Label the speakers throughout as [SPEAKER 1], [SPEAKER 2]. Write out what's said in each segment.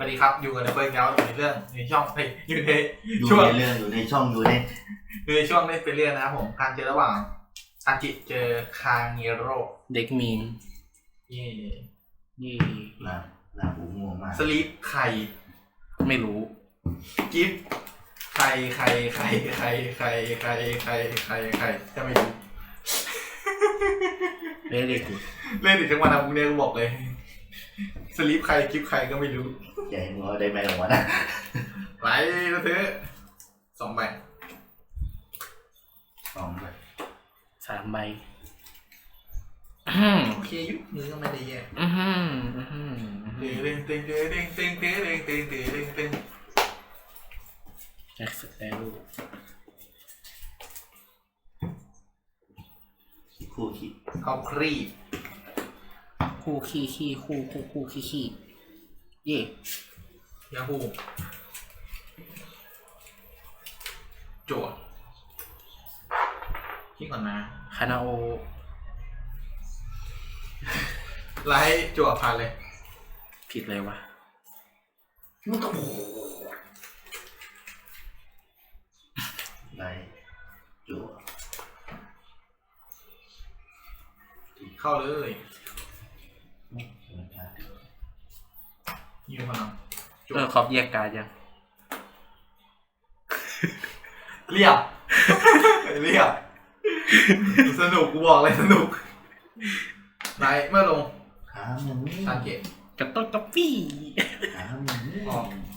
[SPEAKER 1] สดีครับอยู่กันในเฟิร์สเงาอยู่ในเรื่องในช่องอยู่ใน
[SPEAKER 2] อยู่
[SPEAKER 1] ช่วง
[SPEAKER 2] ในเรื่องอยู่ในช่องอยู่ใน
[SPEAKER 1] อยู่ในช่วงเล่นไปเรื่อยนะครับผมการเจอระหว่างอาจิเจอคาเงโร่
[SPEAKER 3] เด็กมีม
[SPEAKER 1] นี่
[SPEAKER 3] นี่
[SPEAKER 2] ลาบูง่วงมาก
[SPEAKER 1] สลีปไข่
[SPEAKER 3] ไม่รู้
[SPEAKER 1] กิฟไข่จะไม่รู้
[SPEAKER 3] เล่นกู
[SPEAKER 1] เล่นอีกทั้งวันนะพวกเนี้ยกูบอกเลยสลีปไข่กิฟไข่ก็ไม่รู้
[SPEAKER 2] ใหญ่มึงเอาได้ไหมหรอวะนะ
[SPEAKER 1] ไหลก็เถอะ2 ใบ
[SPEAKER 2] สองเลย
[SPEAKER 3] 3 ใบ
[SPEAKER 1] โอเคยุคมือก็ไม่ได้แย่ ตึง
[SPEAKER 3] แจ็คสเตล
[SPEAKER 2] คู่คิด
[SPEAKER 1] เอาครีบ
[SPEAKER 3] คู่ขี้คู่ขี้เย่
[SPEAKER 1] ยาฮูจั่วคิดก่อนนะ
[SPEAKER 3] คานาโอ
[SPEAKER 1] ไลท์จั่วผ่านเลย
[SPEAKER 3] ผิดเลยวะ
[SPEAKER 1] มันก็โอ้
[SPEAKER 2] ไล่จั่ว
[SPEAKER 1] เข้าเลย
[SPEAKER 2] ไม่ธรรมดา
[SPEAKER 1] ยืมพลังจั่ว
[SPEAKER 3] ขอบแยกการยัง
[SPEAKER 1] เรียบ เรียบสนุกกูบอกเลยสนุกไลท์เมื่อลง
[SPEAKER 2] ขามึงนี่
[SPEAKER 1] สังเกต
[SPEAKER 3] กระต้นกระปี้
[SPEAKER 2] ขามึงนี่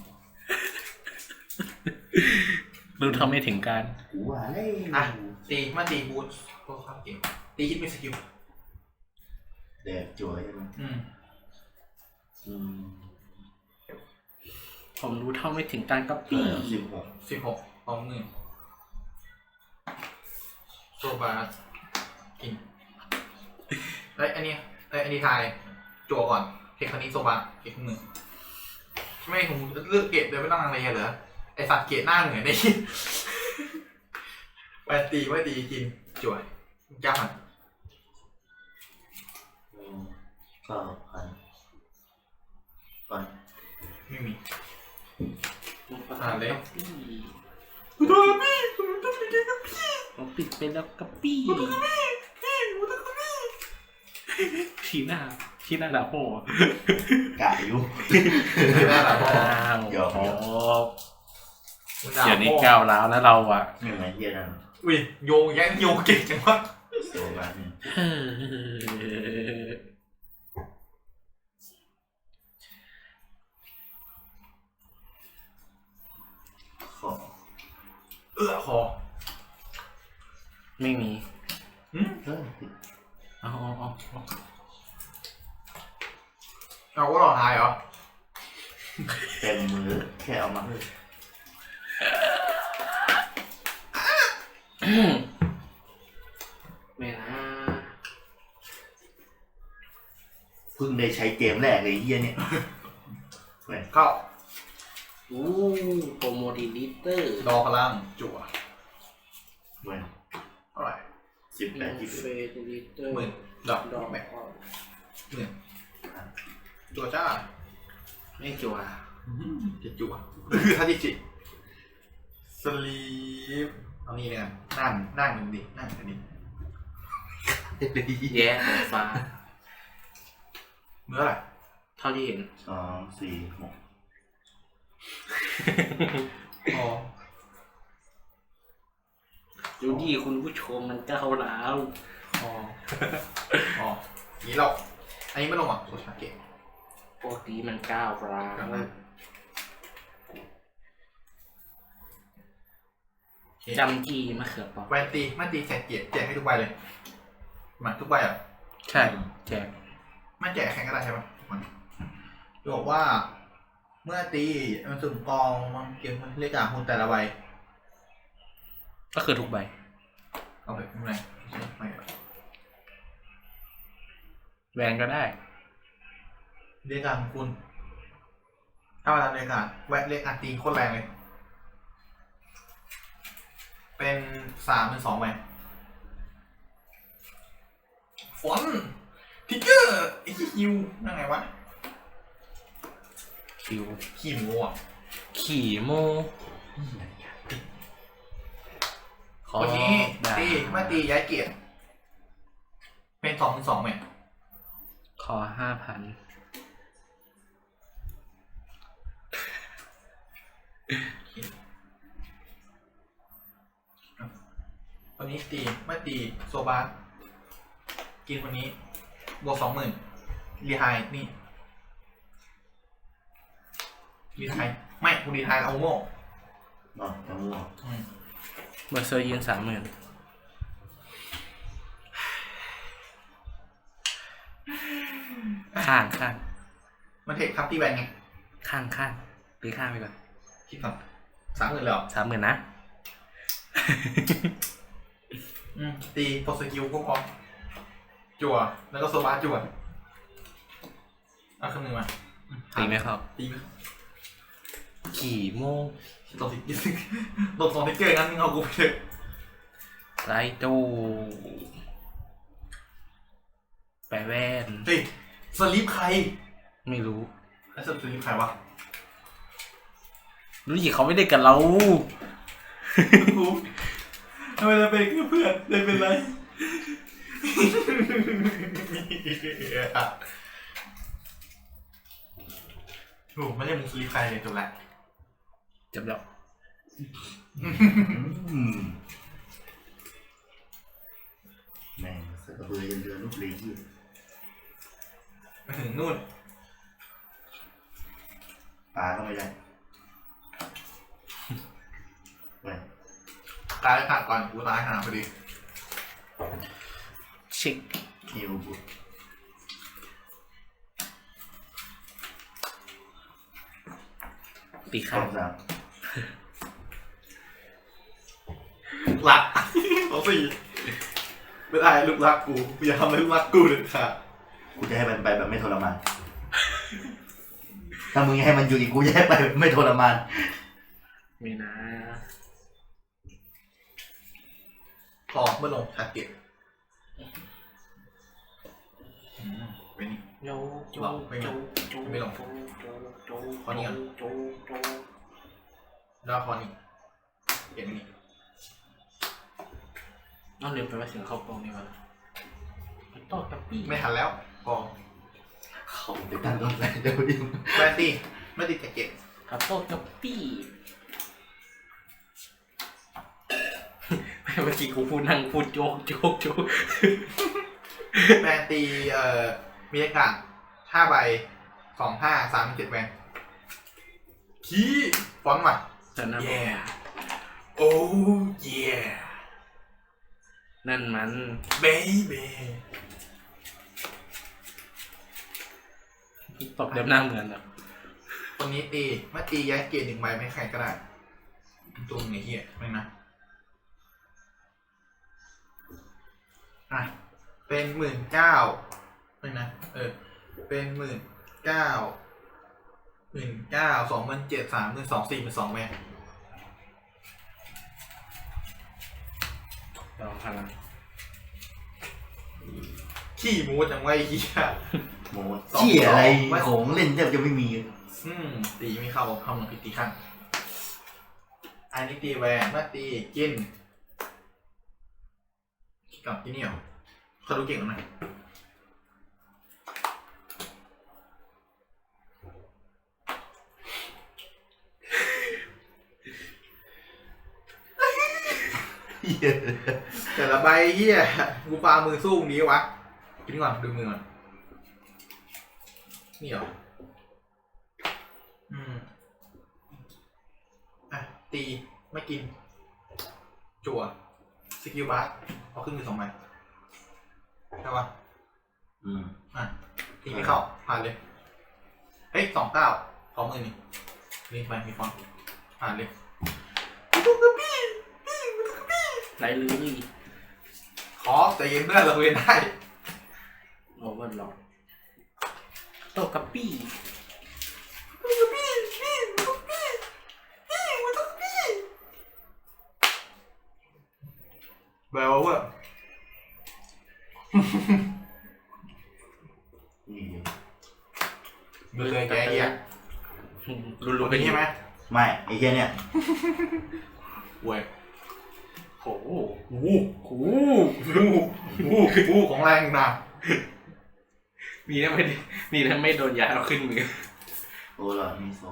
[SPEAKER 3] รู้ทำไม่ถึงการ
[SPEAKER 2] กูว่าเล่
[SPEAKER 1] อ่ะตีบูทก็เข้าเกมตีฮิตมีสกิล
[SPEAKER 2] แดกจั่วใช่ไหมอืม
[SPEAKER 3] ผมรู้เท่าไม่ถึงการกระปี้
[SPEAKER 2] 16
[SPEAKER 1] 16ของมือโซบาสกินอันนี้ทายจั่วก่อนเทคคันนี้โซบาเก็บมือไม่ผมเลือกเกตโดยไม่ต้องลังเลเหรอไอสัตว์เกตหน้าเหมือนไอ้ ไปตีไม่ตีกินจั่วย่ามัน
[SPEAKER 2] ก็พันก่อน
[SPEAKER 1] ไม่มี
[SPEAKER 3] เลยผมปิดไปแล้วกระปี้ชี้หน้าด่าพ่อก
[SPEAKER 2] ะอยู่
[SPEAKER 1] ไม่ได้หรอก
[SPEAKER 2] หยอก
[SPEAKER 3] เดี๋ยวนี้ก้าวร้าวแล้วเราอ่ะ
[SPEAKER 2] ไม่เหมือนเยี่ยนั่น
[SPEAKER 1] อุ้ยโยงเก่งจังวะ
[SPEAKER 2] โซบาเนี่ยขอ
[SPEAKER 1] คอ
[SPEAKER 3] ไม่มี
[SPEAKER 2] เฮ้ย
[SPEAKER 3] เอา
[SPEAKER 1] เอาก็หลอกทายเหรอ
[SPEAKER 2] เต็มมือแค่เอามาเลย
[SPEAKER 3] ไม่นะ
[SPEAKER 2] เพิ่งได้ใช้เกมแรกเลยเยี่ยเนี่ย
[SPEAKER 1] เข้า
[SPEAKER 3] อู้โปรโมดิลิเตอร์
[SPEAKER 1] ดอพลังจั่ว
[SPEAKER 2] เหมือน
[SPEAKER 1] เท่าไหร่
[SPEAKER 2] 18
[SPEAKER 3] เฟดิลิเตอร์
[SPEAKER 1] 10,000ดอก
[SPEAKER 3] ดอก
[SPEAKER 1] แบ
[SPEAKER 3] แบบ
[SPEAKER 1] บจั่วจ้า
[SPEAKER 3] ไม่จัว
[SPEAKER 1] จะจั่วคือทาจิจิสลีปเอานี่เนี่ยนั่งหนึ่งดินั่งกันดิ
[SPEAKER 3] แย่หัวฟ้า
[SPEAKER 1] เมื่อไหร่
[SPEAKER 3] เท่าที่เห็น
[SPEAKER 2] 2 4 6
[SPEAKER 1] อ๋อ
[SPEAKER 3] ดูดีคุณผู้ชมมันก้าวร้าว
[SPEAKER 1] นี่เราอันนี้ไม่ลงอ่ะโซชาเกะ
[SPEAKER 3] ปกติมันก้าวร้าว จำจีมะเขือเปราะ
[SPEAKER 1] แวนตีไม่ตีแจกเกียรติแจกให้ทุกใบเลยมาทุกใบอ่ะ
[SPEAKER 3] ใช่แจก
[SPEAKER 1] ไม่แจกแข่งก็ได้ใช่ไหมมันบอกว่า เมื่อตีมันสุ่มกองมันเก็บเลขหุ่นแต่ละใบ
[SPEAKER 3] ก็คือทุกใบ
[SPEAKER 1] เอาไปข้างในไม่
[SPEAKER 3] แวนก็ได้
[SPEAKER 1] เลขของคุณถ้ามาทำเลขแวะเลขตีโคตรแรงเลยเป็น3-2ใบฟอนทิกเกอร์ไอ้ฮิวนั่งไงวะ
[SPEAKER 3] ฟิว
[SPEAKER 1] ขี้หมูอ่ะ
[SPEAKER 3] ขี่โมขอ
[SPEAKER 1] วันนี้
[SPEAKER 3] ดา
[SPEAKER 1] ตีมาตีย้ายเกียรติเป็น2-2ไหม
[SPEAKER 3] ขอ5,000
[SPEAKER 1] วันนี้ตีมาตีโซบากินวันนี้บวก20,000รีไฮนี่รีไฮไม่กูรีไฮเอาโม่
[SPEAKER 2] เนาะมะม่วง
[SPEAKER 3] เบอร์เซอร์ยืน30,000ข้าง
[SPEAKER 1] มันเทคครับที่แบนไง
[SPEAKER 3] ข้างตีข้างไปก่อน
[SPEAKER 1] คิดก่อน30,000แล้ว
[SPEAKER 3] 30,000นะ
[SPEAKER 1] ตีพอสกิลก็พอจั่วแล้วก็โซบาจั่วเอาคำหนึ่งมา
[SPEAKER 3] ตีไหมครับ
[SPEAKER 1] ตีไหม
[SPEAKER 3] ขี่โม
[SPEAKER 1] ตกสิตก2 ทิกเกอร์งั้นมึงเอากูไปเถอะ
[SPEAKER 3] ไรตูแปะแว่น
[SPEAKER 1] เฮ้ยสลิปใคร
[SPEAKER 3] ไม่รู้
[SPEAKER 1] ไอ้สลิปใครวะ
[SPEAKER 3] รู้ยี่เขาไม่ได้กับเรา
[SPEAKER 1] กูทำไมเราเป็นแค่เพื่อนเลยเป็นไรโอ้ไม่ใช่มึงสลิปใครเลยจบละ
[SPEAKER 3] จบแล้ว
[SPEAKER 2] แม่งสกระเบือยันเรือลูกเลยที่
[SPEAKER 1] มาถึงนู่น
[SPEAKER 2] ปลาก็ไม่ได้ไป
[SPEAKER 1] ตายขาดก่อนกูตายหาพอดี
[SPEAKER 3] เช็ค
[SPEAKER 2] คิวบุตร
[SPEAKER 3] ตี
[SPEAKER 2] ข้า
[SPEAKER 3] ข้าง
[SPEAKER 2] วสาม
[SPEAKER 1] หลัก4ไม่ได้ลูกรักกูอย่าทำให้ลูกรักกูเด็ดขาด
[SPEAKER 2] กูจะให้มันไปแบบไม่ทรมานถ้ามึงให้มันอยู่อีกกูจะให้ไปแบบไม่ทรมาน
[SPEAKER 3] ไม่นะ
[SPEAKER 1] พอเมื่อลงทาร์เก็ตเป็นนี่
[SPEAKER 3] โยโจ
[SPEAKER 1] ไม่ลง
[SPEAKER 3] โจ
[SPEAKER 1] ไม่ลง
[SPEAKER 3] โจ
[SPEAKER 1] ขอนี่ก่อน
[SPEAKER 3] โจโจ
[SPEAKER 1] แล้วพอนี่เห็นนี่
[SPEAKER 3] เอาเร็วไปว่าถึงเข้ากล้องนี่วะต่อกับปี้
[SPEAKER 1] ไม่ทันแล้วพอ
[SPEAKER 2] เขาไปตั้งต้นอะไรเดี๋ยวดิ
[SPEAKER 1] แบนตี้ไม่ติดแจ็คเก็ต
[SPEAKER 3] กับโต้กับปี้เมื่อกี้กูพูดนั่งพูดโจกโจก
[SPEAKER 1] แบนตีมีอากาศ5 ใบ 2 5 3 7แบนขี้ฟอนต์ว่ะ
[SPEAKER 3] แต่นั่น
[SPEAKER 1] yeah oh yeah
[SPEAKER 3] นั่นมัน
[SPEAKER 1] baby
[SPEAKER 3] ตบเด็บหน้าเหมือนอ่ะ
[SPEAKER 1] ตรงนี้ตีมาตีย้ายเกียร์1 ใบไม่ใครก็ได้ตัวมึงไอ้เหี้ยไม่นะอ่ะเป็น19,000ไม่นะเป็น19,000 27,000 32,000 42,000แม่
[SPEAKER 3] ลองพลัง
[SPEAKER 1] ขี้มูดจังไว้เหี้ย
[SPEAKER 2] โมเที่ยอะไรของเล่นแทบจะไม่มี
[SPEAKER 1] ตีไม่เข้าเข้ามือผิดตีข้างอันนี้ตีแหวนมาตีกินกับกินนี่เหรอเขาดูเก่งหรือไงแต่ละใบเหี้ยกูปามือสู้มึงนี้วะกินก่อนดูมือก่อนนี่เหรออ่ะตีไม่กินจั่วสกิลบาร์เอาขึ้นมือ2 ใบใช่ปะอ่ะตีไม่เข้าผ่านเลยเฮ้ย29 ขอมือนี่ไปมีฟอนต์ผ่านเลย
[SPEAKER 3] ไรลือนี่
[SPEAKER 1] ขอใจเย็นเพื่อนเราเรียนได้
[SPEAKER 3] โอเวอร์หลอดโตกับปี้
[SPEAKER 1] แบลว่า
[SPEAKER 2] นี่
[SPEAKER 1] มือเลยแกเหี้ย
[SPEAKER 3] รุน
[SPEAKER 1] รู้
[SPEAKER 3] ๆ
[SPEAKER 1] เป็
[SPEAKER 3] เป็น น
[SPEAKER 1] ใช่ไหม
[SPEAKER 2] ไม่ไอ้เหี้ยเนี่ย
[SPEAKER 1] เว้ย
[SPEAKER 3] โอ้โห
[SPEAKER 1] โอ้โหของแรงนะ
[SPEAKER 3] นี่ถ้าไม่โดนย้ายเอาขึ้นมือ
[SPEAKER 2] โอ้หลอดมีโซ่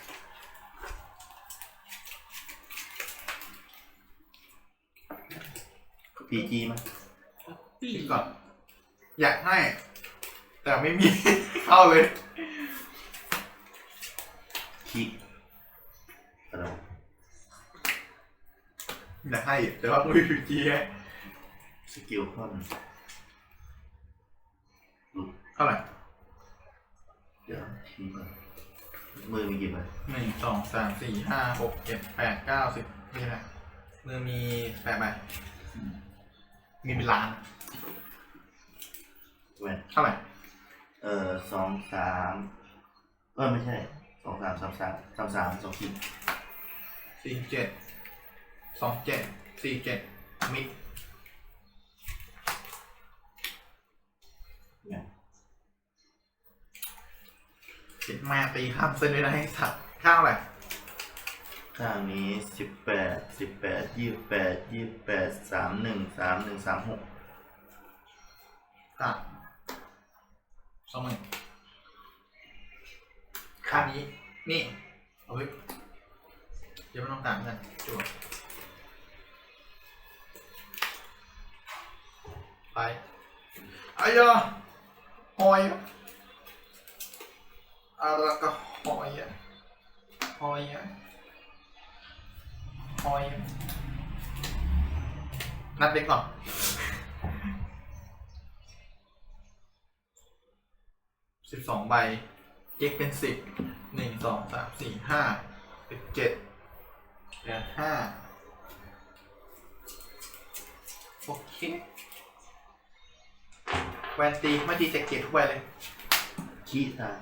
[SPEAKER 2] พีจีมั้ย
[SPEAKER 3] ปี้
[SPEAKER 1] คิดก่อนอยากให้ แต่ไม่มี เข้าเลย
[SPEAKER 2] คิกอะไรวะ
[SPEAKER 1] อยากให้แต่ว่าไม่มีจีให้
[SPEAKER 2] สกิลคอนหลุด
[SPEAKER 1] เท่าไหร่
[SPEAKER 2] เดี๋ยวทีก่อนมือมีกี่ใบ
[SPEAKER 1] 1 2 3 4 5 6 7 8 9 10นี่แหละมือมี8ใบมีเป็นล้าน
[SPEAKER 2] แหวน
[SPEAKER 1] เท่าไหร่
[SPEAKER 2] 2 3ไม่ใช่2 3 3 3 3 3 2ขีด
[SPEAKER 1] 47 27 47มิด
[SPEAKER 2] เนี่ย
[SPEAKER 1] เจ็ดมาตีข้ามเส้นด้วยนะให้สัตว์ข้าวอะไร
[SPEAKER 2] ข้างนี้18 28 31 31 36
[SPEAKER 1] ตัด20,000ข้างนี้นี่เอาไว้เดี๋ยวไม่ต้องต่างกันจวดไปอายะหอยอะไรก็หอยอะหอยอะหอยอะนัดเด็กก่อน12 ใบเก็กเป็น10 1 2 3 4 5เป็น7เหลือ5โอเคแวนตีไม่ตีเจ็ดทุกใบเลย
[SPEAKER 2] ขีดตาย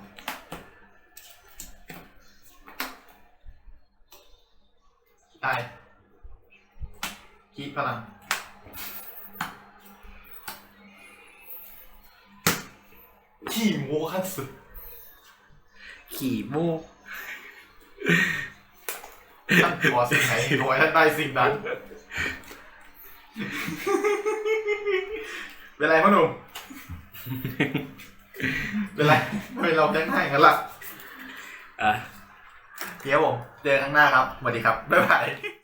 [SPEAKER 1] ตายคีพลังขี้โม้ขั้นสุด
[SPEAKER 3] ขี่มู
[SPEAKER 1] ท่านขอสิ่งไหนขอให้ท่านได้สิ่งนั้น เป็นไรพ่อหนุ่ม เป็นไรทำไมเราแจ้งให้กันล่ะ
[SPEAKER 3] อ่ะ
[SPEAKER 1] เดี๋ยวผมเจอข้างหน้าครับสวัสดีครับ บ๊ายบาย